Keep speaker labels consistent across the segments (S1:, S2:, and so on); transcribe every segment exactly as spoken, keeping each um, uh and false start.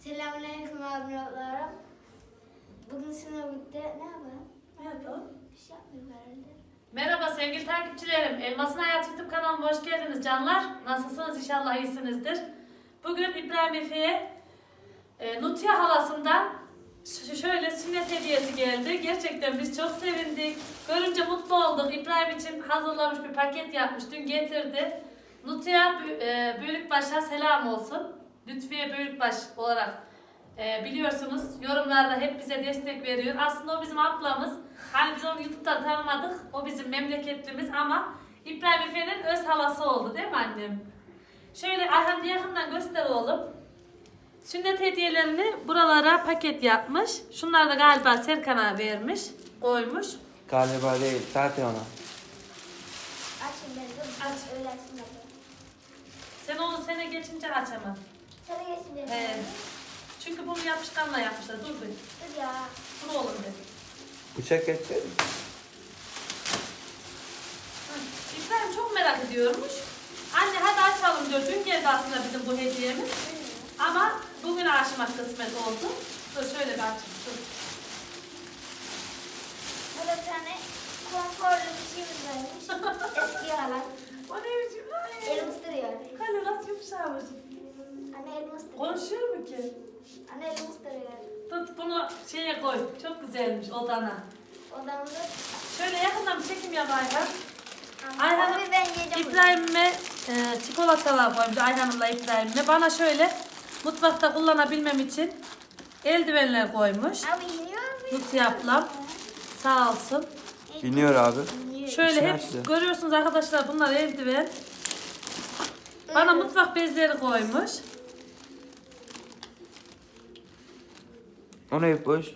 S1: Selamünaleyküm abilerim. Bugün sınav bitti. Ne yapalım?
S2: Ne yapalım?
S1: Bir şey yapmıyoruz herhalde.
S2: Merhaba sevgili takipçilerim. Elmasın Hayat YouTube kanalıma hoş geldiniz canlar. Nasılsınız? İnşallah iyisinizdir. Bugün İbrahim Efe'ye e, Nutya halasından ş- şöyle sünnet hediyesi geldi. Gerçekten biz çok sevindik. Görünce mutlu olduk. İbrahim için hazırlamış bir paket yapmış. Dün getirdi. Nutya e, Büyükbaş'a selam olsun. Lütfiye Büyükbaş olarak e, biliyorsunuz yorumlarda hep bize destek veriyor. Aslında o bizim ablamız. Hani biz onu YouTube'dan tanımadık. O bizim memleketlimiz ama İbrahim Efe'nin öz halası oldu değil mi annem? Şöyle Ayhan yakından göster oğlum. Sünnet hediyelerini buralara paket yapmış. Şunları da galiba Serkan'a vermiş, koymuş.
S3: Galiba değil, zaten ona.
S1: Açın beni dur.
S2: Aç.
S1: Öyle açın beni.
S2: Sen onu sene geçince açamam.
S1: Sana geçin beni.
S2: He. Çünkü bunu yapışkanla yapmışlar. Dur bir.
S1: Dur ya.
S2: Dur oğlum dedi.
S3: Bıçak geçseydi.
S2: Hı. İbrahim çok merak ediyormuş. Anne hadi açalım diyor. Dün geldi aslında bizim bu hediyemiz. Ama bugün açmak kısmet oldu. Dur şöyle bir açayım. Dur.
S1: Burada bir tane konforlu bir şeyimiz varmış. Eski yalan.
S2: O ne biçim? Ay.
S1: Elim ısırıyor.
S2: Kale nasıl yumuşamış.
S1: Anne elim ısırıyor.
S2: Konuşuyor mu ki?
S1: Anne elim ısırıyor.
S2: Tut bunu şeye koy. Çok güzelmiş odana.
S1: Odamda.
S2: Şöyle yakından bir çekim yap Ayhan.
S1: Ayhan'ım.
S2: Ayhan'ım
S1: Ben yiyeceğim.
S2: İbrahim'e e, çikolatalar koymuş. Ayhan'ımla İbrahim'le. Bana şöyle mutfakta kullanabilmem için eldivenler koymuş.
S1: Abi iniyor mu?
S2: Nutya ablam sağ olsun.
S3: Biniyor abi.
S1: İniyor.
S2: Şöyle
S3: İçini
S2: hep
S3: açtı.
S2: görüyorsunuz arkadaşlar bunlar eldiven. Bana
S1: Evet.
S2: mutfak bezleri koymuş.
S3: Onu hep boş.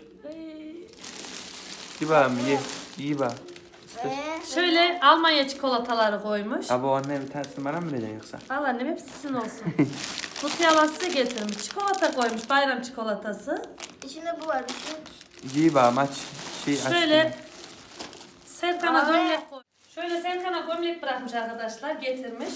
S3: İyi bak ye. İyi bak.
S1: Ee,
S2: Şöyle Almanya çikolataları koymuş.
S3: Abi o anne bir tanesini bana mı vereceksin yoksa?
S2: Al annem hepsi sizin olsun. Nutya abla size getirmiş. Çikolata koymuş. Bayram çikolatası.
S1: içinde bu var. Şu
S3: İyi bak maç. Şey
S2: Şöyle
S3: açtım.
S2: Serkan'a
S1: Ay.
S2: gömlek koy. Şöyle Serkan'a gömlek bırakmış arkadaşlar. Getirmiş.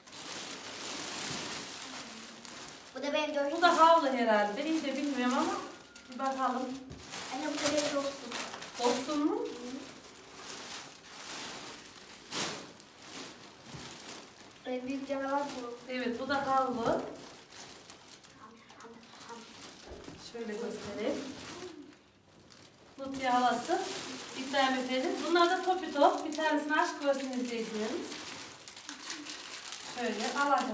S1: Bu da benim
S2: Bu
S1: coşkum.
S2: da havlu herhalde. Ben iyi de bilmiyorum ama bir bakalım.
S1: Anne bu da benim coşkum.
S2: Dostum mu?
S1: En büyük canavar bu.
S2: Evet bu da havlu. Şöyle göstereyim. Nutya havası. İbrahim Efe'nin. Bunlar da topi top. Bir tanesini aşk görsün izleyicilerimiz. Şöyle alacağım.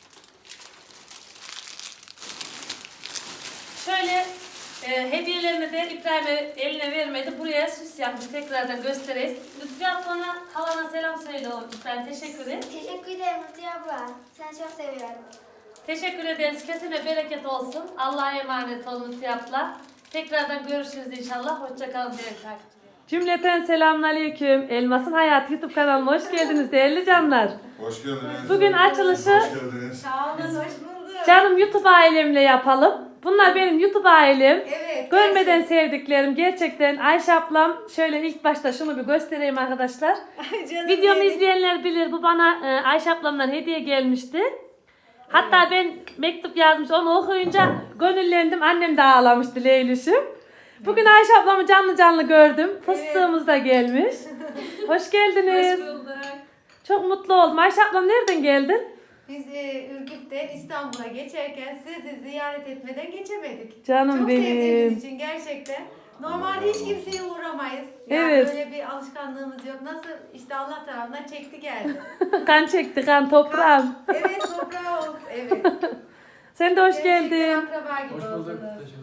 S2: Şöyle e, hediyelerini de İbrahim'e eline vermedi. Buraya süs yapmış. Tekrardan göstereyim. Lütfi ablana, halana selam söyle oğlum. İbrahim teşekkür ederim.
S1: Teşekkür ederim Nutya abla. Seni çok seviyorum.
S2: Teşekkür ederiz. Kesine bereket olsun. Allah'a emanet olun Lütfi abla. Tekrardan görüşürüz inşallah. Hoşçakalın değerli takipçiler. Cümleten selamünaleyküm. Elmasın Hayat YouTube kanalıma hoş geldiniz değerli canlar.
S4: Hoş geldiniz.
S2: Bugün açılışı
S4: Hoş geldiniz.
S5: Sağ olun, hoş bulduk.
S2: canım YouTube ailemle yapalım. Bunlar benim YouTube ailem.
S5: Evet.
S2: Görmeden sevdiklerim gerçekten. Ayşe ablam şöyle ilk başta şunu bir göstereyim arkadaşlar.
S5: Canım
S2: Videomu
S5: benim.
S2: izleyenler bilir bu bana e, Ayşe ablamdan hediye gelmişti. Hatta ben mektup yazmış onu okuyunca gönüllendim. Annem de ağlamıştı Leylüş'üm. Bugün Ayşe ablamı canlı canlı gördüm. Fıstığımız da gelmiş. Hoş geldiniz.
S5: Hoş bulduk.
S2: Çok mutlu oldum. Ayşe ablam nereden geldin?
S5: Biz e, Ürgüp'ten İstanbul'a geçerken sizi ziyaret etmeden geçemedik.
S2: Canım
S5: Çok
S2: benim.
S5: sevdiğimiz için gerçekten. Normalde hiç kimseye uğramayız. Yani
S2: Evet.
S5: böyle bir alışkanlığımız yok. Nasıl işte Allah tarafından çekti geldi.
S2: Kan çekti kan toprağım.
S5: Evet, toprağı oldu. Evet.
S2: Sen de hoş
S5: Gerçekten
S2: geldin.
S5: akraba gibi oldunuz.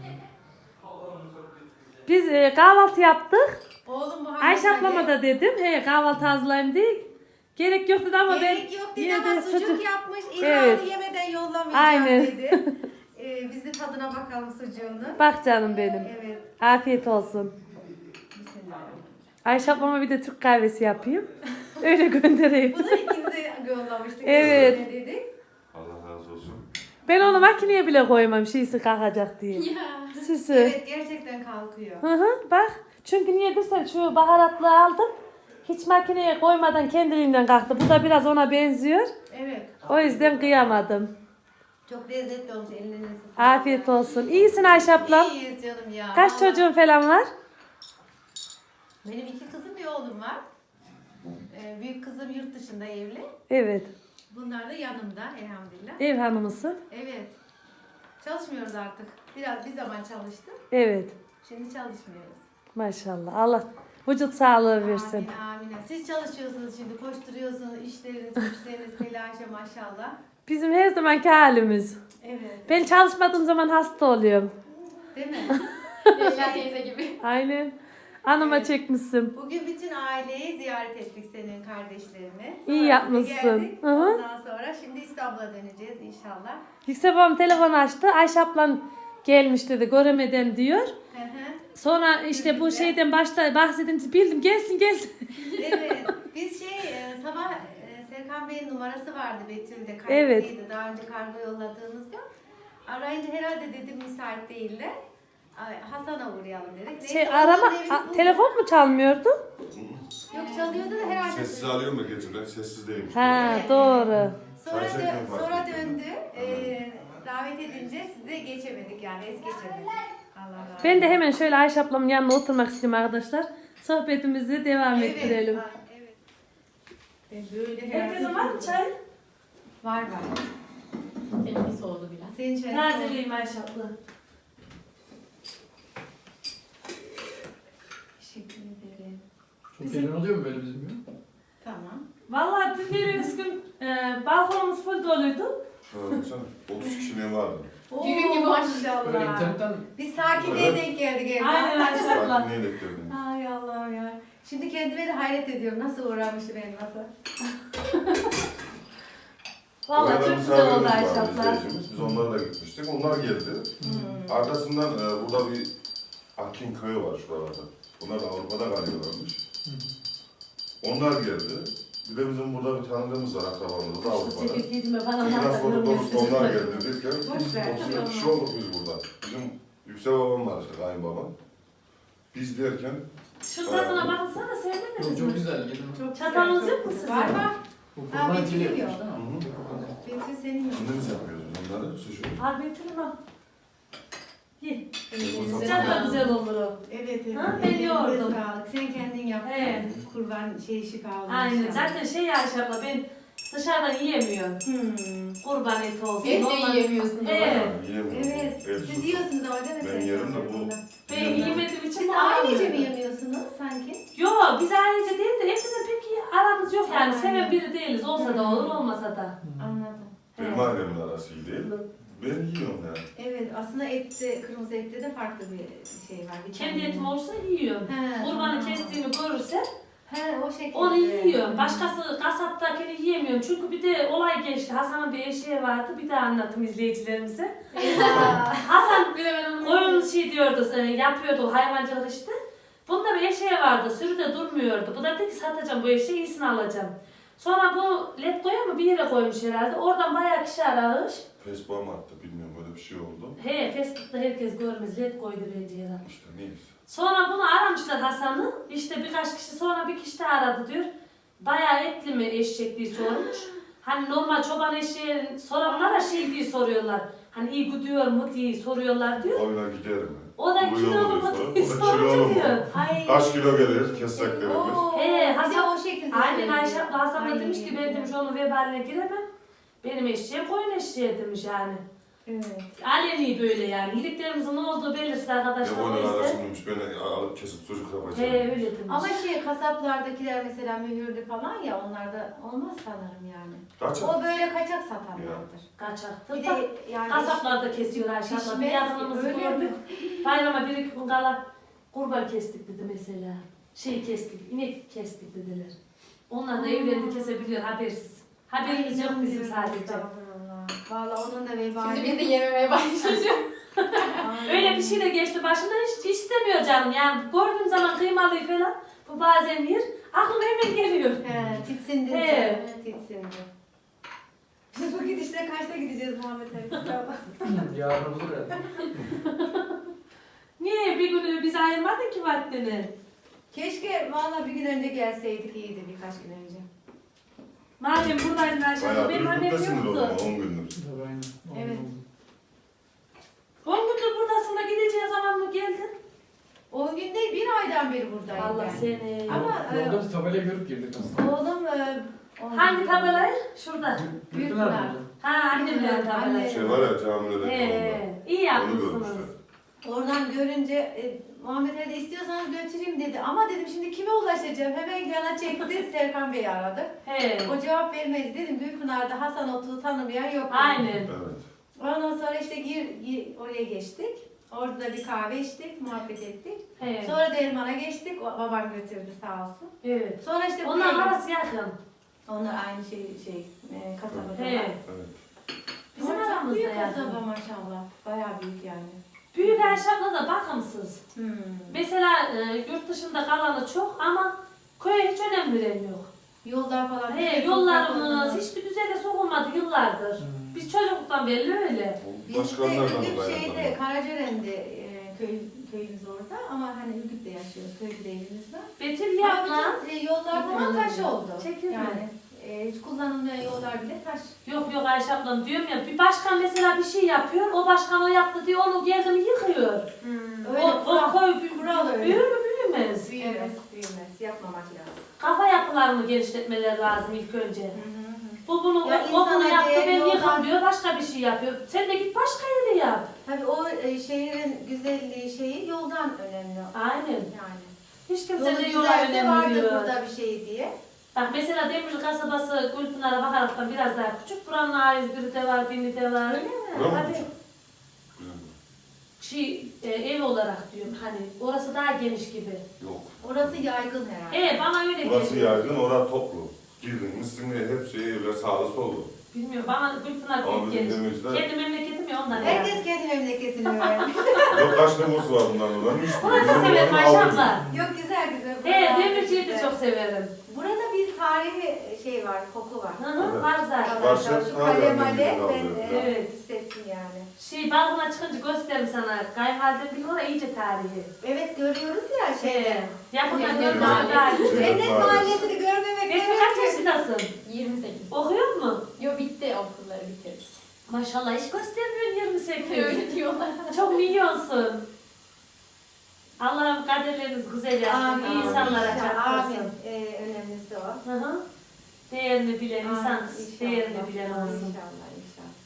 S2: Biz e, kahvaltı yaptık.
S5: Oğlum Muhammed
S2: Ayşe
S5: Ali,
S2: ablama da dedim. He kahvaltı hazırlayayım diye. Gerek yoktu da ama
S5: gerek
S2: ben
S5: yok dedi
S2: yine
S5: ama
S2: de
S5: sucuk yapmış. İlhan'ı
S2: Evet.
S5: yemeden yollamayacağım
S2: Aynen.
S5: dedi. Ee, biz de tadına bakalım sucuğunu.
S2: Bak canım benim.
S5: Evet.
S2: Afiyet olsun.
S5: Bismillahirrahmanirrahim.
S2: Ayşe ablama bir de Türk kahvesi yapayım. Öyle göndereyim.
S5: Bunu ikinize yollamıştık.
S2: Evet.
S5: Ne dedik?
S4: Allah razı olsun.
S2: Ben onu makineye bile koymam şeysi kalkacak diye. Süsü.
S5: Evet, gerçekten kalkıyor.
S2: Hı hı bak. Çünkü niye dersen şu baharatlı aldım. Hiç makineye koymadan kendiliğinden kalktı. Bu da biraz ona benziyor.
S5: Evet.
S2: O yüzden kıyamadım.
S5: Çok lezzetli olmuş. Ellerine sağlık.
S2: Afiyet olsun. İyisin Ayşe ablam.
S5: İyiyiz canım ya.
S2: Kaç
S5: Vallahi.
S2: çocuğun falan var?
S5: Benim iki kızım bir oğlum var. Ee, büyük kızım yurt dışında evli.
S2: Evet.
S5: Bunlar da yanımda elhamdülillah.
S2: Ev hanımısın.
S5: Evet. Çalışmıyoruz artık. Biraz bir zaman çalıştık.
S2: Evet.
S5: Şimdi çalışmıyoruz.
S2: Maşallah. Allah vücut sağlığı versin.
S5: Amin amin. Siz çalışıyorsunuz şimdi. Koşturuyorsunuz. İşleriniz, güçleriniz, telaşa maşallah.
S2: Bizim her zamanki halimiz.
S5: Evet.
S2: Ben çalışmadığım zaman hasta oluyorum.
S5: Değil mi?
S1: Leyla teyze gibi.
S2: Aynen. Anıma
S5: Evet.
S2: çekmişsin.
S5: Bugün bütün aileyi ziyaret ettik, senin kardeşlerini.
S2: İyi
S5: Sonra
S2: yapmışsın.
S5: geldik.
S2: Hı hı.
S5: Ondan sonra şimdi İstanbul'a döneceğiz inşallah.
S2: Yüksel babam telefon açtı. Ayşe ablan gelmiş dedi. Göremeden diyor.
S5: Hı hı.
S2: Sonra işte bu şeyden başta bahsedince bildim. Gelsin gelsin.
S5: Evet. Biz şey e, sabah e, Serkan Bey'in numarası vardı Betül'de.
S2: Evet.
S5: Kayıtlıydı. Daha önce kargo yolladığımızda. Arayınca herhalde dedim müsait değiller. Ay, Hasan'a uğrayalım dedik.
S2: Şey
S5: Neyse,
S2: arama
S5: onların evini
S2: a-
S5: bulduk.
S2: telefon mu çalmıyordu?
S5: Yok çalıyordu da herhalde.
S4: Sessiz alıyor mu geçirler? Sessiz değilmiş.
S2: Ha
S5: Evet.
S2: doğru.
S5: Sonra,
S4: Çay
S5: dö-
S4: çekim fark
S5: sonra
S4: ettim.
S5: döndü. Ee, davet edince size geçemedik yani es geçemedik. Allah razı olsun.
S2: Ben de hemen şöyle Ayşe ablamın yanına oturmak istiyorum arkadaşlar. Sohbetimizi devam ettirelim.
S5: Ha, evet. E, böyle
S2: Herkesin var mı çay?
S5: Var var.
S1: Benimki soğudu biraz.
S5: Senin çayın
S2: Tazeleyeyim Ayşe abla.
S5: Teşekkür ederim.
S6: Çok gelen oluyor mu böyle bizim gibi?
S5: Tamam.
S2: Vallahi dün bir gün e, balkonumuz full doluydu.
S4: Şöyle baksana. otuz kişi ne vardı?
S1: Düğün gibi
S6: Böyle
S5: maşallah.
S6: internetten
S5: Biz sakinliğe
S4: Evet.
S5: denk geldik evde.
S2: Aynen Ayşe abla.
S4: Sakin niye bekledin?
S5: Ay Allah'ım ya. Şimdi kendime de hayret ediyorum. Nasıl uğramışım benim masa.
S2: Vallahi
S4: Orada
S2: çok güzel oldu
S4: misafirimiz
S2: Ayşe
S4: vardı,
S2: abla.
S4: izleyicimiz. Biz onlarla da gitmiştik. Onlar geldi.
S5: Hmm.
S4: Arkasından e, burada bir Akin köyü var şuralarda. Bunlar da Avrupa'da kalıyorlarmış. Onlar geldi. Bir de bizim burada bir tanıdığımız var akrabamız da Avrupa'da.
S2: Ceket giydiğime bana
S4: Ondan sonra
S2: anlatmıyorum.
S4: dost onlar geldi derken
S5: Boş ver.
S4: otuz bir kişi olduk biz burada. Bizim Yüksel babam var işte kayınbabam. Biz derken
S2: Şu tadına bakınsana
S6: çok,
S2: sevmediniz
S6: çok
S2: mi?
S6: güzel. Gelin.
S5: Çok
S2: Çatalınız
S5: güzel.
S2: yok mu sizin?
S5: Var var.
S6: Bu
S5: Ha,
S6: kurban
S5: Betül
S6: dili
S5: yiyor.
S6: yapmış değil mi?
S4: Hı hı.
S5: Betül senin yok.
S4: kendimiz yapıyoruz biz onları. Suşu.
S2: Al bitirin al. Ye.
S5: Elinize
S2: Sıcak da
S5: sağlık.
S2: güzel olur o.
S5: Evet evet.
S2: Ha, ben
S5: Elinize
S2: yoğurdum.
S5: sağlık. Sen kendin yaptın.
S2: Evet.
S5: Kurban şey şifa olmuş.
S2: Aynen. Zaten şey Ayşe abla ben dışarıdan yiyemiyorum.
S5: Hmm.
S2: Kurban eti olsun.
S1: Evde
S2: normal-
S1: yiyemiyorsun.
S2: Evet.
S4: Yiyemiyorum.
S5: Evet.
S4: Ev
S5: Siz
S4: suçu.
S5: yiyorsunuz ama değil mi?
S4: Ben
S5: Serkan
S4: yerim de
S5: Bey
S4: bu-
S5: bunda?
S2: Ben yemediğim için
S5: Siz
S2: alamıyorum.
S5: ailece mi yemiyorsunuz sanki?
S2: Yok biz ailece değil de hepsinin pek iyi aramız yok yani.
S5: Aynen.
S2: Seven biri değiliz. Olsa da olur olmasa da.
S5: Anladım.
S4: Benim ailemin arası iyi değil. Ben yiyorum yani.
S5: Evet aslında ette, kırmızı ette de farklı bir şey var. Bir
S2: Kendi
S5: tane-
S2: etim olursa yiyorum.
S5: He,
S2: Kurbanı
S5: tamam.
S2: kestiğimi görürse
S5: He o şekilde.
S2: onu yiyorum. Başkası kasaptakini yiyemiyorum. Çünkü bir de olay geçti. Hasan'ın bir eşeği vardı. Bir daha anlatayım izleyicilerimize.
S5: Eyvah.
S2: Hasan
S1: Bir de ben onu
S2: koyun şey diyordu, e, yapıyordu hayvancılık işte. Bunda bir eşeği vardı. Sürüde durmuyordu. Bu da dedi ki satacağım bu eşeği, iyisini alacağım. Sonra bu Letgo'ya mı bir yere koymuş herhalde. Oradan bayağı kişi aramış.
S4: Facebook'a mı attı bilmiyorum böyle bir şey oldu.
S2: He, Facebook'ta herkes görmez. Letgo'ydu bence herhalde.
S4: İşte neyse.
S2: Sonra bunu aramışlar Hasan'ı. İşte birkaç kişi sonra bir kişi de aradı diyor. Bayağı etli mi eşek diye sormuş. Hani normal çoban eşeği soranlara şey diye soruyorlar. Hani iyi gidiyor mu diye soruyorlar diyor.
S4: Oyuna giderim.
S2: O da
S4: Uyuyor
S2: kilo
S4: mu
S2: mu
S4: diyor
S2: diye
S4: sonra. O da kilo
S2: sorunca
S4: mu?
S2: diyor.
S5: Ay.
S4: Kaç kilo gelir kesecek derimiz.
S5: Oo,
S2: He,
S5: bir de
S2: Hasan-
S5: o şekilde
S2: Aynen
S5: söylüyor.
S2: Ayşe abla Hasan da
S5: Ay.
S2: demiş ki ben demiş onun vebaline giremem. Benim eşeğim koyun eşeği demiş yani.
S5: Evet.
S2: Aleni böyle yani. İyiliklerimizin ne olduğu belirsiz arkadaşlar.
S4: Ne
S2: o
S4: oynar
S2: yüzden.
S4: arasındaymış beni alıp kesip çocuk yapacağım.
S2: He öyle demiş.
S5: Ama şey kasaplardakiler mesela mühürlü falan ya onlarda olmaz sanırım yani.
S4: Kaç?
S5: O böyle kaçak satanlardır.
S2: Kaçaktır.
S5: Bir
S2: da
S5: de yani
S2: kasaplarda kesiyor Ayşe abla. Bir
S5: pişmez,
S2: yakınımızı
S5: öyle
S2: gördük.
S5: mi?
S2: Bayrama bir iki gün kala kurban kestik dedi mesela. Şey kestik, inek kestik dediler. Onlar da evlerini kesebiliyor habersiz. Haberimiz yok bizim sadece.
S5: Estağfurullah. Valla onun da vebali.
S1: Şimdi biz de yememeye başlayacağız.
S5: Aynen.
S2: Öyle bir şey de geçti başından hiç istemiyor canım yani gördüğüm zaman kıymalıyı falan bu bazen yer aklıma hemen geliyor.
S5: He, titsindi.
S2: He.
S5: sen, Titsindi. Biz bu gidişle kaçta gideceğiz Muhammed Ali?
S6: Yarın olur herhalde.
S2: Niye bir günü biz ayırmadın ki vaktini?
S5: Keşke valla bir gün önce gelseydik iyiydi birkaç gün önce.
S2: Madem buradaydın Ayşe
S4: Bayağı
S2: abla benim
S4: bir
S2: haberim
S4: yurttasındır o
S2: yoktu.
S4: zaman on gündür.
S6: Tabii aynen.
S5: Evet.
S2: On gündür buradasın da gideceğin zaman mı geldin?
S5: On gün değil, bir aydan beri buradayım
S2: Allah
S5: ben.
S2: seni.
S5: Ama e,
S6: Yolda biz tabelayı görüp girdik aslında.
S5: oğlum... E, on
S2: Hangi
S5: gün-
S2: tabelayı? Şurada.
S6: Gülpınar mıydı?
S2: Ha annemlerin tabelası.
S4: Şey var ya camide
S2: He,
S4: de
S2: iyi
S4: onu
S2: yapmışsınız.
S4: görmüşler.
S5: Oradan görünce e, Muhammed Ali de istiyorsanız götüreyim dedi. Ama dedim şimdi kime ulaşacağım? Hemen yana çekti. Serkan Bey'i aradık.
S2: He.
S5: O cevap vermedi. Dedim Gülpınar'da Hasan Otu'yu tanımayan yok. dedi.
S2: Aynen.
S4: Evet.
S5: Ondan sonra işte gir, gir oraya geçtik. Orada da bir kahve içtik, muhabbet ettik.
S2: He.
S5: Sonra Derman'a geçtik. O, babam götürdü sağ olsun.
S2: Evet.
S5: Sonra işte
S2: Onların
S5: buraya-
S2: arası yakın.
S5: Onlar aynı şey şey e, kasabada.
S2: He.
S5: var.
S4: Evet.
S2: Bizim
S5: Ama çok
S2: aramızda
S5: büyük
S2: yakın.
S5: kasaba maşallah. Bayağı büyük yani.
S2: Büyük Ayşem'le de bakımsız.
S5: Hmm.
S2: Mesela e, yurt dışında kalanı çok ama köye hiç önem veren yok.
S5: Yollar falan.
S2: He,
S5: çok
S2: yollarımız
S5: bakımlı.
S2: hiçbir düzene sokulmadı yıllardır.
S6: Hmm.
S2: Biz çocukluktan belli öyle.
S5: Biz de
S4: Başkanlardan
S5: Ürgüp
S4: dolayı.
S5: şeyde, Karacaören'de e, köy, köyümüz orada ama hani Ürgüp'te yaşıyoruz, köyde evimiz var.
S2: Betül
S5: Ama
S2: yapma.
S5: bütün, e, yollar falan taş oldu.
S2: Çekilme.
S5: Yani e, hiç kullanılmayan yollar bile taş.
S2: Yok yok Ayşe ablam diyorum ya bir başkan mesela bir şey yapıyor o başkan o yaptı diye onu geldi mi yıkıyor.
S5: Öyle
S2: o, o
S5: kural,
S2: koy bü-
S5: kural öyle.
S2: büyür mü büyümez.
S5: Büyümez, büyümez. Yapmamak lazım.
S2: Kafa yapılarını genişletmeleri lazım ilk önce.
S5: Hı hı.
S2: Bu bunu,
S5: Ya
S2: o bunu
S5: insana
S2: yaptı
S5: değer
S2: ben
S5: yoldan-
S2: yıkam diyor başka bir şey yapıyor. Sen de git başka yere yap.
S5: Tabii o e, şehrin güzelliği şeyi yoldan önemli.
S2: Aynen.
S5: Yani.
S2: Hiç
S5: Yolu
S2: kimse de yola
S5: güzelse vardır
S2: önemli diyor.
S5: burada bir şey diye.
S2: Bak mesela Demirci kasabası Gülpınar'a bakaraktan biraz daha küçük. Buranın ait biri de var, biri de var.
S5: Öyle mi?
S4: Bura mı
S2: Tabii.
S4: küçük? Güzel.
S2: Şey, e, ev olarak diyorum hani orası daha geniş gibi.
S4: Yok.
S5: Orası yaygın herhalde.
S2: Evet bana öyle
S4: Burası
S2: geliyor.
S4: yaygın, orası toplu. Girdin, misin hep şey evler sağlı sollu.
S2: Bilmiyorum bana Gülpınar
S4: Ama
S2: büyük
S4: bizim
S2: geniş.
S4: demirciler-
S2: Kendi memleketim ya ondan
S5: Herkes
S2: herhalde.
S5: kendi memleketini öğrenmiş.
S4: Yok kaç nüfusu var bundan oradan? Üç bin.
S2: Burası
S4: Bizim
S2: severim
S4: buranın
S2: Ayşe
S4: altı bin.
S2: abla.
S5: Yok güzel güzel.
S2: He
S5: Buralar
S2: Demirci'yi de
S5: güzel.
S2: çok severim.
S5: Burada bir tarihi şey var, koku var.
S2: Hı hı
S4: Evet.
S2: var zaten.
S4: Var.
S5: Arkadaşlar şu
S4: Hala
S5: kale
S4: annem
S5: male
S4: gibi kaldı.
S5: ben e,
S2: Evet.
S5: hissettim yani.
S2: Şey balkona çıkınca gösteririm sana. Kayınvalidem bir orada iyice tarihi.
S5: Evet görüyoruz ya şeyde.
S2: Şey, yakından
S5: Cennet
S2: görmesi
S5: Mahallesi.
S2: daha iyi.
S4: Cennet
S5: Cennet Mahallesi'ni görmemek
S2: Betül kaç yaşındasın?
S7: yirmi sekiz.
S2: Okuyor mu?
S7: Yo bitti okulları bitirdi.
S2: Maşallah hiç göstermiyorsun yirmi sekiz.
S7: Öyle diyorlar.
S2: Çok milyonsun. Allah'ım kaderleriniz güzel yapsın.
S5: Amin.
S2: İyi insanlara
S5: Amin.
S2: çarptırsın.
S5: Ee, önemlisi o.
S2: Hı hı. Değerini bilen
S5: Amin.
S2: insan,
S5: İnşallah.
S2: değerini bilen olsun.
S5: İnşallah inşallah.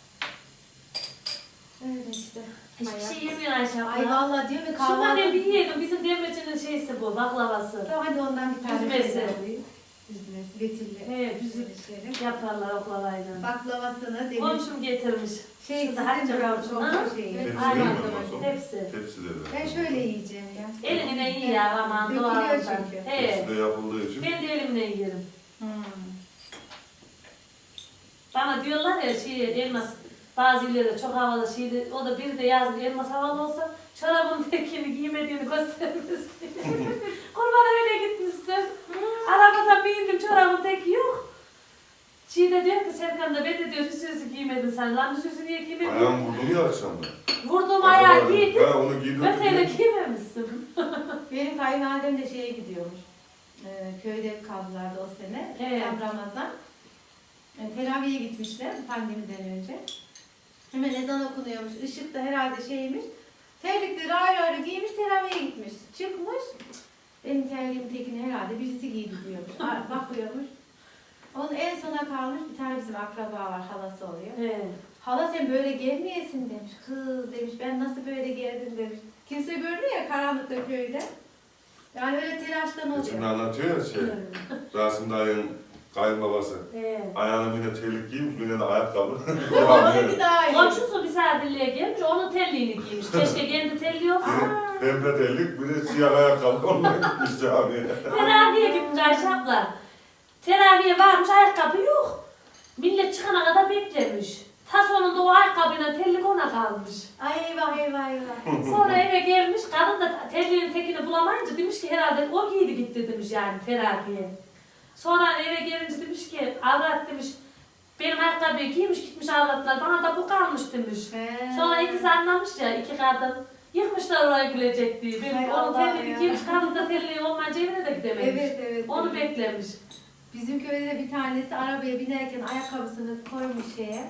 S5: Öyle işte.
S2: Hiçbir şey yemiyor Ayşe abla.
S5: Ay vallahi diyor mu
S2: Şundan
S5: kahvaltı.
S2: ben bir yiyelim. Bizim demircinin şeysi bu, baklavası.
S5: Tamam, hadi ondan bir tane
S2: Üzmesi.
S5: şey alayım. Üzmesi. Betül'le.
S2: He, bizim
S5: Üzmesi.
S2: yaparlar oklavayla.
S5: Baklavasını demir.
S2: Komşum getirmiş.
S5: Şey
S2: Şurada
S5: sizin
S2: hacca
S5: bravo
S2: komşum.
S5: çok
S2: Ha?
S5: şey.
S7: Evet.
S4: Tepsi
S2: Aynen.
S4: değil mi ondan sonra?
S2: Hepsi.
S4: Tepsi de
S5: Ben şöyle yiyeceğim ya.
S2: Eline iyi ya aman
S5: Dökülüyor
S2: doğaldan.
S5: çünkü.
S2: He.
S4: Tepsi de yapıldığı için.
S2: Ben de elimle yerim.
S5: Hmm.
S2: Bana diyorlar ya şey elmas bazı illerde çok havalı şeydi. O da biri de yazdı elmas havalı olsa çorabın tekini giymediğini göstermesin. Kurbana öyle gitmişsin. Arabadan bindim çorabın teki yok. Şey de diyor ki Serkan da ben de diyor hüsüsü giymedin sen. Lan hüsüsü niye giymedin?
S4: Ayağım vurdum ya akşamda.
S2: Vurdum ayağı giydim.
S4: Ha onu giydim.
S2: Öteyle giymemişsin.
S5: Benim kayınvalidem de şeye gidiyormuş. Ee, köyde kaldılardı o sene.
S2: Evet.
S5: Tam Ramazan. Ee, teraviye gitmişler pandemiden önce. Hemen ezan okunuyormuş. Işık da herhalde şeymiş. Terlikleri ayrı ayrı giymiş teraviye gitmiş. Çıkmış. Benim terliğimin tekini herhalde birisi giydi diyormuş. Aa, bakıyormuş. Onun en sona kalmış bir tane bizim akraba var, halası oluyor.
S2: He.
S5: Hala sen böyle gelmeyesin demiş. Kız demiş ben nasıl böyle geldim demiş. Kimse görmüyor ya karanlıkta köyde. Yani öyle telaştan
S4: Şimdi
S5: oluyor.
S4: anlatıyor ya şey. Rasim dayının kayınbabası.
S2: He.
S4: Ayağına bir de terlik giymiş, bir de ayakkabı.
S5: Onunki daha iyi.
S2: Komşusu misafirliğe gelmiş, onun terliğini giymiş. Keşke kendi terliği olsa.
S4: Pembe terlik, bir de siyah ayakkabı. Onunla gitmiş camiye.
S2: Teraviye gitmiş Ayşe abla. Teraviye varmış, ayakkabı yok. Millet çıkana kadar beklemiş. Ta sonunda o ayakkabıyla terlik ona kalmış.
S5: Ay eyvah eyvah eyvah.
S2: Sonra eve gelmiş, kadın da terliğin tekini bulamayınca demiş ki herhalde o giydi gitti demiş yani teraviye. Sonra eve gelince demiş ki avrat demiş, benim ayakkabıyı giymiş gitmiş avratlar, bana da bu kalmış demiş.
S5: He.
S2: Sonra ikisi anlamış ya, iki kadın. Yıkmışlar orayı gülecek diye. Benim
S5: Hay
S2: onun
S5: Allah
S2: terliği
S5: ya.
S2: giymiş, kadın da terliği olmayınca evine de gidememiş.
S5: Evet evet.
S2: Onu
S5: evet.
S2: beklemiş.
S5: Bizim köyde de bir tanesi arabaya binerken ayakkabısını koymuş şeye.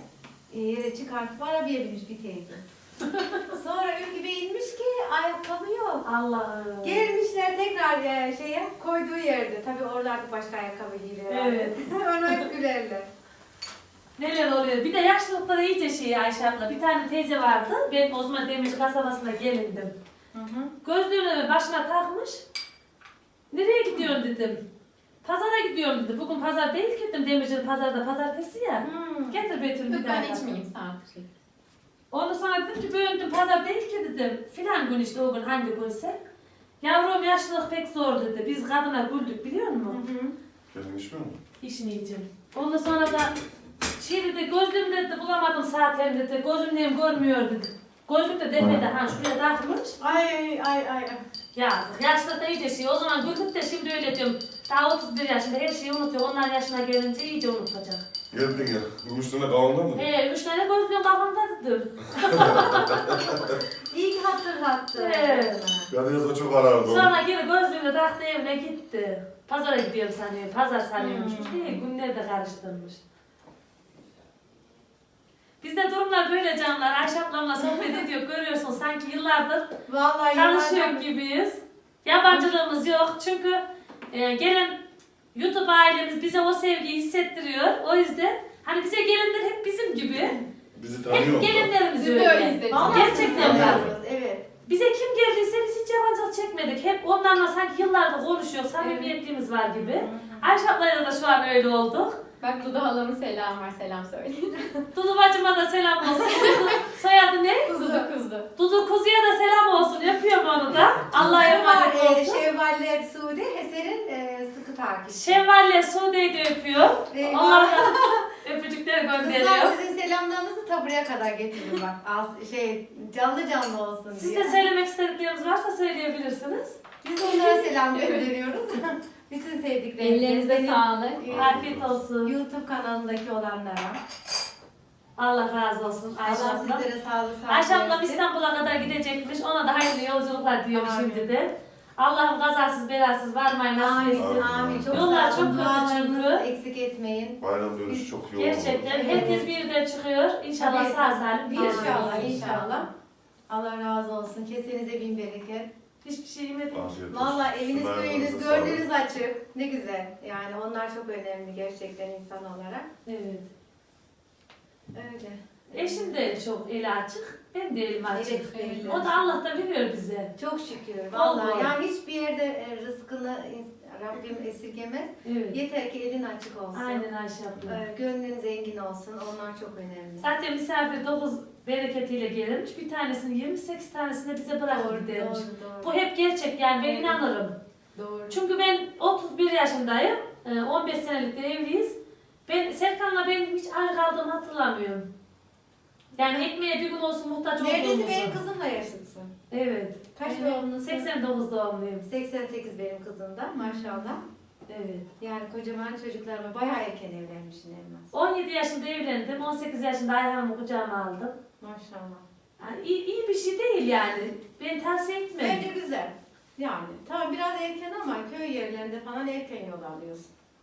S5: e, yere çıkartıp arabaya binmiş bir teyze. Sonra Ülkü Bey inmiş ki ayakkabı yok.
S2: Allah'ım.
S5: Gelmişler tekrar e, şeye koyduğu yerde. Tabii oralarda başka ayakkabı giyiyor.
S2: Evet.
S5: Onu hep gülerler.
S2: Neler oluyor? Bir de yaşlılıkları iyice şey Ayşe abla. Bir tane teyze vardı. Ben o zaman Demirci kasabasına gelindim.
S5: Hı hı.
S2: Gözlüğünü başına takmış. Nereye gidiyorsun dedim. Pazara gidiyorum dedi. Bugün pazar değil ki dedim. Demirci'nin pazarda pazartesi ya.
S5: Hmm.
S2: Getir Betül bir
S7: Yok ben
S2: daha.
S7: içmeyeyim saat şey.
S2: Ondan sonra dedim ki böyle dedim, pazar değil ki dedim. Filan gün işte o gün hangi günse. Yavrum yaşlılık pek zor dedi. Biz kadına güldük biliyor musun?
S5: Hı hı.
S4: Kendin içmiyor musun?
S2: İşini yiyeceğim. Ondan sonra da şey dedi gözlüğüm dedi bulamadım saatlerini dedi. Gözümlüğüm görmüyor dedi. Gözlük de demedi ha şuraya takmış.
S5: Ay ay ay ay.
S2: Yazık. Yaşlı da iyice şey. O zaman güldük de şimdi öyle diyorum. Daha otuz bir yaşında her şeyi unutuyor. Onlar yaşına gelince iyice unutacak.
S4: Geldin ya. Üstüne kavanda mı?
S2: He, üç tane gözlüğüm kafamda dedim.
S5: İyi ki hatırlattı.
S2: Evet.
S4: Ben yazda çok arardım.
S2: Sonra geri gözlüğünü taktı evine gitti. Pazara gidiyorum sanıyor. Pazar sanıyormuş.
S5: Hmm.
S2: Değil, günleri de karıştırmış. Bizde durumlar böyle canlar. Ayşe ablamla sohbet ediyor. Görüyorsun sanki yıllardır
S5: Vallahi
S2: tanışıyor
S5: yalan-
S2: gibiyiz. Yabancılığımız yok. Çünkü e, gelen YouTube ailemiz bize o sevgiyi hissettiriyor. O yüzden hani bize gelenler hep bizim gibi.
S4: Bizi tanıyor
S2: Hep
S4: musun?
S2: gelenlerimiz
S7: Biz de
S2: öyle.
S7: öyle hissettik.
S5: Vallahi
S2: Gerçekten
S5: siz
S2: var.
S5: tanıyorsunuz, evet.
S2: Bize kim geldiyse biz hiç yabancılık çekmedik. Hep onlarla sanki yıllardır konuşuyor. Samimiyetliğimiz var gibi. Ayşe ablayla da şu an öyle olduk.
S7: Bak Dudu halamın selam var, selam söyle.
S2: Dudu bacıma da selam olsun. Dudu, soyadı ne?
S7: Kuzu kuzu.
S2: Dudu kuzuya da selam olsun. Yapıyorum onu da. Allah'a emanet
S5: Var, e,
S2: olsun.
S5: Şevvalle Suudi Eser'in e, sıkı takipçisi.
S2: Şevval'le Sude'yi de öpüyor.
S5: Eyvah.
S2: Onlara da öpücükleri
S5: Kızlar
S2: gönderiyor.
S5: sizin selamlarınızı ta buraya kadar getirin bak. Az, şey canlı canlı olsun
S2: Siz
S5: diye.
S2: de söylemek istedikleriniz varsa söyleyebilirsiniz.
S5: Biz onlara selam gönderiyoruz. Bütün sevdiklerimize.
S7: Ellerinize
S5: Benim,
S7: sağlık.
S5: e,
S2: Afiyet olsun.
S5: YouTube kanalındaki olanlara.
S2: Allah razı olsun Ayşe
S5: Allah
S2: abla.
S5: sizlere sağlık sağlık
S2: Ayşe ablam
S5: versin.
S2: İstanbul'a kadar gidecekmiş. Ona da hayırlı yolculuklar diyorum
S5: Amin.
S2: şimdi de. Allah'ım kazasız belasız varmayı nasip
S5: Amin,
S2: etsin.
S5: amin. Çok
S2: Yollar
S5: sağ olun.
S2: çok kötü
S5: Dualarınızı
S2: çünkü.
S5: eksik etmeyin.
S4: Bayram dönüşü çok yoğun
S2: Gerçekten
S4: oldu.
S2: herkes bir yerden çıkıyor. İnşallah
S5: Tabii.
S2: sağ salim bir yerden
S5: İnşallah,
S2: olsun.
S5: inşallah. Allah razı olsun. Kesenize bin bereket.
S2: Hiçbir şey yemedim.
S4: Afiyet olsun.
S5: Valla eviniz,
S4: Şunlar
S5: köyünüz,
S4: yanınıza sağlık.
S5: gördüğünüz açık. Ne güzel. Yani onlar çok önemli gerçekten insan olarak.
S2: Evet.
S5: Öyle.
S2: Eşim de çok eli açık. Ben de elim açık.
S5: Evet, öyle.
S2: O da Allah da veriyor bize.
S5: Çok şükür.
S2: Bol
S5: Vallahi
S2: bol.
S5: yani hiçbir yerde e, rızkını ins- Rabbim esirgemez.
S2: Evet.
S5: Yeter ki elin açık olsun.
S2: Aynen Ayşe abla.
S5: E, Gönlün zengin olsun. Onlar çok önemli.
S2: Zaten misafir dokuz bereketiyle gelirmiş. Bir tanesini yirmi sekiz tanesini bize bırakıp
S5: Doğru,
S2: gidermiş.
S5: doğru,
S2: Bu
S5: doğru.
S2: hep gerçek yani ben
S5: Evet.
S2: inanırım.
S5: Doğru.
S2: Çünkü ben otuz bir yaşındayım. e, on beş senelik de evliyiz. Ben Serkan'la benim hiç ayrı kaldığımı hatırlamıyorum. Yani ekmeğe bir gün olsun muhtaç
S5: Neredeyse
S2: olduğumuzu.
S5: benim kızımla yaşıtsın.
S2: Evet.
S5: Kaç
S2: Evet,
S5: doğumlusun?
S2: seksen dokuz doğumluyum.
S5: seksen sekiz benim kızım da maşallah.
S2: Evet.
S5: Yani kocaman çocuklarıma bayağı erken evlenmişsin Elmas.
S2: on yedi yaşında evlendim. on sekiz yaşında Ayhan'ımı kucağıma aldım.
S5: Maşallah.
S2: Yani iyi, iyi bir şey değil yani. Ben tavsiye etmem.
S5: Bence güzel. Yani tamam biraz erken ama köy yerlerinde falan erken yol alıyorsun.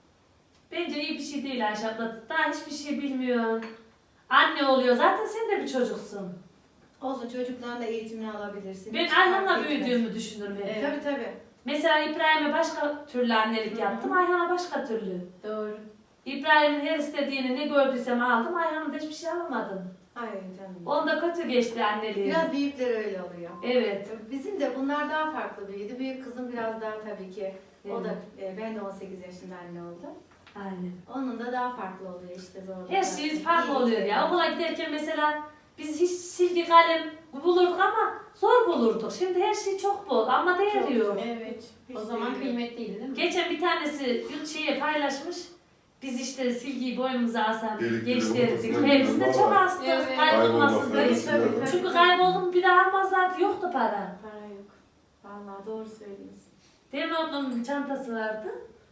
S2: Bence iyi bir şey değil Ayşe abla. Daha hiçbir şey bilmiyor. Anne oluyor. Zaten sen de bir çocuksun.
S5: Olsun çocukların da eğitimini alabilirsin.
S2: Ben
S5: Hiç fark
S2: Ayhan'la
S5: etmez.
S2: büyüdüğümü düşünürüm hep.
S5: Evet. Tabii tabii.
S2: Mesela İbrahim'e başka türlü annelik
S5: Hı.
S2: yaptım. Ayhan'a başka türlü.
S5: Doğru.
S2: İbrahim'in her istediğini ne gördüysem aldım. Ayhan'ın da hiçbir şey alamadım.
S5: Hayır canım.
S2: Onda kötü geçti anneliği.
S5: Biraz büyükler öyle oluyor.
S2: Evet.
S5: Bizim de bunlar daha farklı büyüdü. Büyük kızım biraz daha tabii ki. O da
S2: Evet.
S5: e, ben de on sekiz yaşında anne oldum.
S2: Aynen.
S5: Onun da daha farklı oluyor işte zorluklar.
S2: Her şey farklı
S5: İyi.
S2: oluyor ya. Okula giderken mesela biz hiç silgi kalem bulurduk ama zor bulurduk. Şimdi her şey çok bol ama değeri yok.
S7: Evet.
S5: Hiç
S7: O zaman
S5: değil.
S7: kıymetliydi değil mi?
S2: Geçen bir tanesi yurt şeye paylaşmış. Biz işte silgiyi boynumuza asan
S4: Delikleri
S2: gençlerdik.
S4: ortasına
S2: Hepsi de
S4: gidiyor.
S2: çok astık.
S7: Evet.
S2: Kaybolmasın
S4: Kaybolmasın
S2: diye.
S4: diye.
S5: Tabii, tabii.
S2: Çünkü kayboldum bir daha almazlardı. Yoktu para.
S5: Para yok. Vallahi doğru söylüyorsun.
S2: Benim ablamın bir çantası vardı.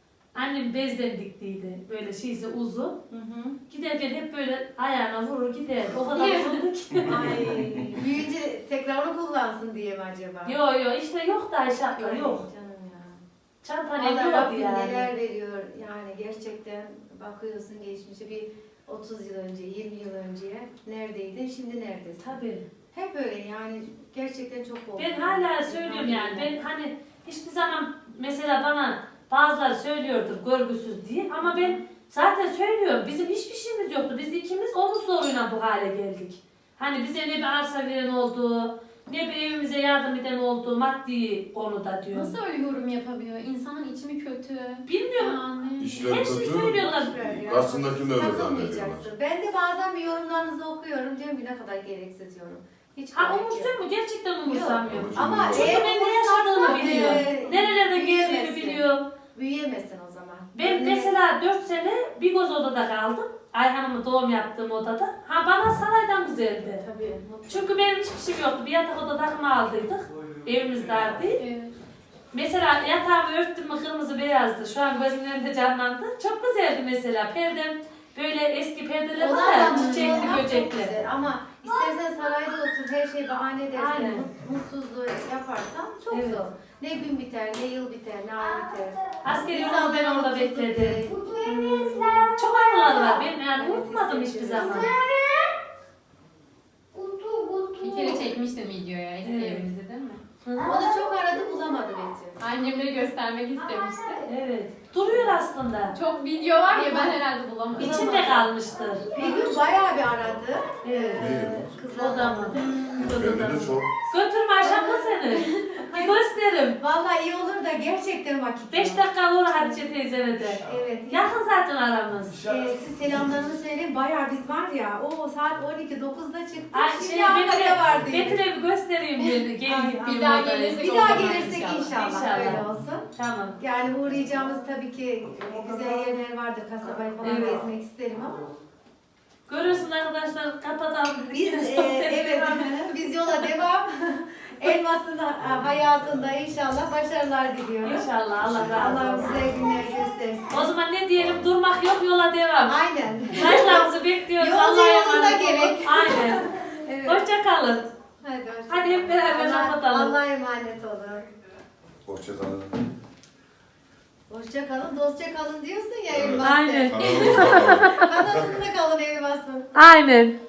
S2: Annem bezden diktiydi. Böyle şeysi uzun.
S5: Hı hı.
S2: Giderken hep böyle ayağına vurur giderdi. O kadar uzundu ki.
S5: Ay, büyüyünce tekrar mı kullansın diye mi acaba?
S2: Yo yo işte yok da Ayşe abla
S5: Ay,
S2: yok.
S5: Canım ya.
S2: Çanta ne
S5: Allah
S2: diyordu
S5: Rabbim
S2: yani.
S5: neler veriyor. Yani gerçekten bakıyorsun geçmişe bir otuz yıl önce, yirmi yıl önce neredeydin, şimdi neredesin?
S2: Tabii.
S5: Hep öyle yani gerçekten çok oldu.
S2: Ben hala söylüyorum yani. Ben hani hiçbir zaman mesela bana bazıları söylüyordur görgüsüz diye ama ben zaten söylüyorum. Bizim hiçbir şeyimiz yoktu. Biz ikimiz omuz zoruyla bu hale geldik. Hani bize ne bir arsa veren oldu, ne bir evimize yardım eden oldu, maddi konuda diyor.
S7: Nasıl öyle yorum yapabiliyor? İnsanın içi mi kötü?
S2: Bilmiyorum.
S7: Yani.
S4: İşler
S2: Her şeyi
S4: kötü.
S2: söylüyorlar.
S4: Aslında kim öyle
S5: Takılmayacaksın.
S4: zannediyorlar.
S5: Ben de bazen bir yorumlarınızı okuyorum. Diyorum ki ne kadar gereksiz yorum. Hiç
S2: Ha
S5: gerek yok.
S2: umursuyor mu? Gerçekten umursamıyorum.
S4: Yok.
S5: Ama
S2: Çünkü
S5: eğer
S2: ben ne yaşadığımı
S5: umursarsan,
S2: biliyorum.
S5: e,
S2: Nerelerde geldiğimi
S5: büyüyemezsin.
S2: biliyorum.
S5: Büyüyemezsin o zaman.
S2: Ben
S5: Yani-
S2: mesela dört sene bir göz odada kaldım. Ayhan'ımın doğum yaptığım odada. Ha bana saraydan güzeldi.
S5: Tabii.
S2: Çünkü benim hiçbir şeyim yoktu. Bir yatak oda takımı aldıydık. Evimiz dardı.
S7: Evet.
S2: Mesela yatağımı örttüm mü kırmızı beyazdı. Şu an gözümün önünde canlandı. Çok güzeldi mesela. Perdem böyle eski perdeler var
S5: Onlar
S2: ya
S5: da
S2: çiçekli
S5: mutluluk çok
S2: böcekli.
S5: güzel. Ama istersen sarayda otur, her şey bahane dersen,
S2: Aynen.
S5: mut- mutsuzluğu yaparsan çok
S2: Evet.
S5: zor. Ne gün biter, ne yıl biter, ne ay biter.
S2: Askeri yolda
S5: İnsanlar
S2: ben orada
S5: mutsuzluk
S2: bekledim.
S5: değil.
S2: Çok anılar var. Ben yani unutmadım hiçbir zaman.
S7: Bir kere çekmiştim videoya eski
S2: Evet.
S7: evinizi değil mi?
S5: Onu çok aradı, bulamadı Betty.
S7: Annemleri göstermek istemişti.
S2: Evet. Duruyor aslında.
S7: Çok video var ya ben herhalde bulamadım.
S2: İçinde kalmıştır.
S5: Bir gün bayağı bir aradı.
S2: Evet.
S5: Ee, kızlar
S2: Odamı.
S4: Bende de çok.
S2: Götürme aşağıda seni. Bir gösterim.
S5: Vallahi iyi olur da gerçekten vakit
S2: Beş
S5: yok.
S2: dakika olur Hatice teyzeme de.
S5: Evet.
S2: Yakın zaten aramız.
S5: Ee, siz selamlarını söyleyin. Bayağı biz var ya, o saat on iki dokuzda çıktık.
S2: Ay
S5: Şimdi
S2: şey
S5: Ankara'da var diye.
S2: Betül'e bir göstereyim dedi. Gelin gittiğim
S7: Bir daha
S2: odaya.
S7: gelirsek
S5: Bir
S7: o
S5: daha
S7: zaman
S5: gelirsek inşallah,
S2: İnşallah.
S5: öyle olsun.
S2: Tamam.
S5: Yani uğrayacağımız tabii ki güzel yerler vardır. Kasabayı falan
S2: Evet.
S5: gezmek isterim ama.
S2: Görüyorsun arkadaşlar kapatalım.
S5: Biz e, evet biz yola devam. Elmas'ın ha- hayatında inşallah başarılar diliyoruz.
S2: İnşallah Allah razı
S5: Allah
S2: olsun.
S5: bize günler göstersin.
S2: O zaman ne diyelim durmak yok yola devam.
S5: Aynen.
S2: Saygılarımızı bekliyoruz.
S5: Yolcu
S2: Allah'a
S5: yolunda
S2: emanet olun.
S5: gerek.
S2: Aynen.
S5: Evet.
S2: Hoşça kalın.
S5: Hadi, hoşça
S2: Hadi hep
S5: kalın.
S2: beraber
S5: Allah-
S2: kapatalım.
S5: Allah'a emanet olun.
S4: Hoşçakalın.
S5: Hoşça kalın, dostça kalın diyorsun ya Elmas.
S2: Aynen.
S4: Kanalımıza abone olun.
S5: Kanalımda kalın Elmas'ın.
S2: Aynen.